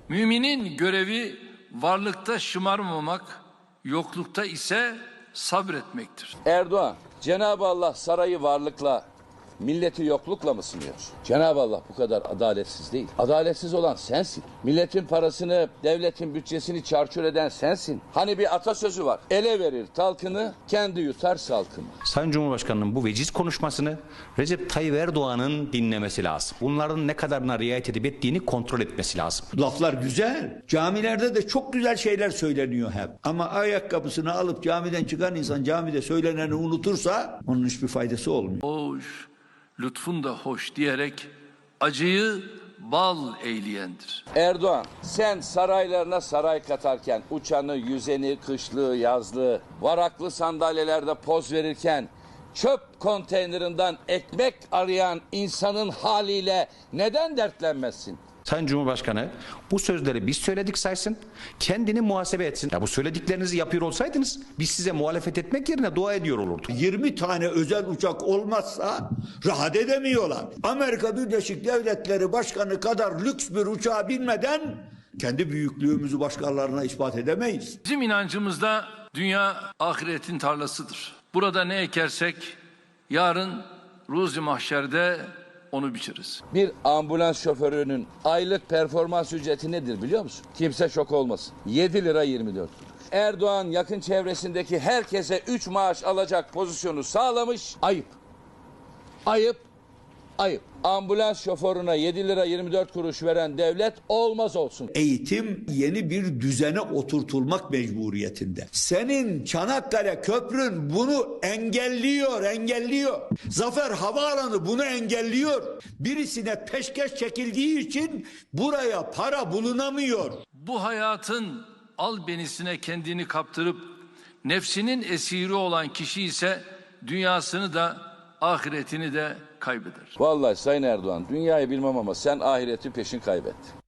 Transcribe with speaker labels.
Speaker 1: Müminin görevi varlıkta şımarmamak, yoklukta ise sabretmektir.
Speaker 2: Erdoğan, Cenab-ı Allah sarayı varlıkla, milleti yoklukla mı sınıyor? Cenab-ı Allah bu kadar adaletsiz değil. Adaletsiz olan sensin. Milletin parasını, devletin bütçesini çarçur eden sensin. Hani bir atasözü var. Ele verir talkını, kendi yutar salkını.
Speaker 3: Sayın Cumhurbaşkanı'nın bu veciz konuşmasını Recep Tayyip Erdoğan'ın dinlemesi lazım. Bunların ne kadarına riayet edip ettiğini kontrol etmesi lazım.
Speaker 4: Laflar güzel. Camilerde de çok güzel şeyler söyleniyor hep. Ama ayakkabısını alıp camiden çıkan insan camide söyleneni unutursa onun hiçbir faydası olmuyor.
Speaker 1: Hoş, lütfun da hoş diyerek acıyı bal eyleyendir.
Speaker 2: Erdoğan, sen saraylarına saray katarken, uçanı, yüzeni, kışlığı, yazlığı, varaklı sandalyelerde poz verirken, çöp konteynerinden ekmek arayan insanın haliyle neden dertlenmezsin?
Speaker 3: Sayın Cumhurbaşkanı bu sözleri biz söyledik saysın, kendini muhasebe etsin. Ya bu söylediklerinizi yapıyor olsaydınız biz size muhalefet etmek yerine dua ediyor olurduk.
Speaker 4: 20 tane özel uçak olmazsa rahat edemiyorlar. Amerika Birleşik Devletleri Başkanı kadar lüks bir uçağa binmeden kendi büyüklüğümüzü başkalarına ispat edemeyiz.
Speaker 1: Bizim inancımızda dünya ahiretin tarlasıdır. Burada ne ekersek yarın ruzi mahşerde onu biçeriz.
Speaker 2: Bir ambulans şoförünün aylık performans ücreti nedir biliyor musun? Kimse şok olmasın. 7 lira 24 kuruş. Erdoğan yakın çevresindeki herkese 3 maaş alacak pozisyonu sağlamış. Ayıp. Ayıp. Ayıp. Ambulans şoförüne 7 lira 24 kuruş veren devlet olmaz olsun.
Speaker 4: Eğitim yeni bir düzene oturtulmak mecburiyetinde. Senin Çanakkale Köprün bunu engelliyor. Zafer Havaalanı bunu engelliyor. Birisine peşkeş çekildiği için buraya para bulunamıyor.
Speaker 1: Bu hayatın albenisine kendini kaptırıp nefsinin esiri olan kişi ise dünyasını da ahiretini de kaybeder.
Speaker 2: Vallahi Sayın Erdoğan, dünyayı bilmem ama sen ahireti peşin kaybettin.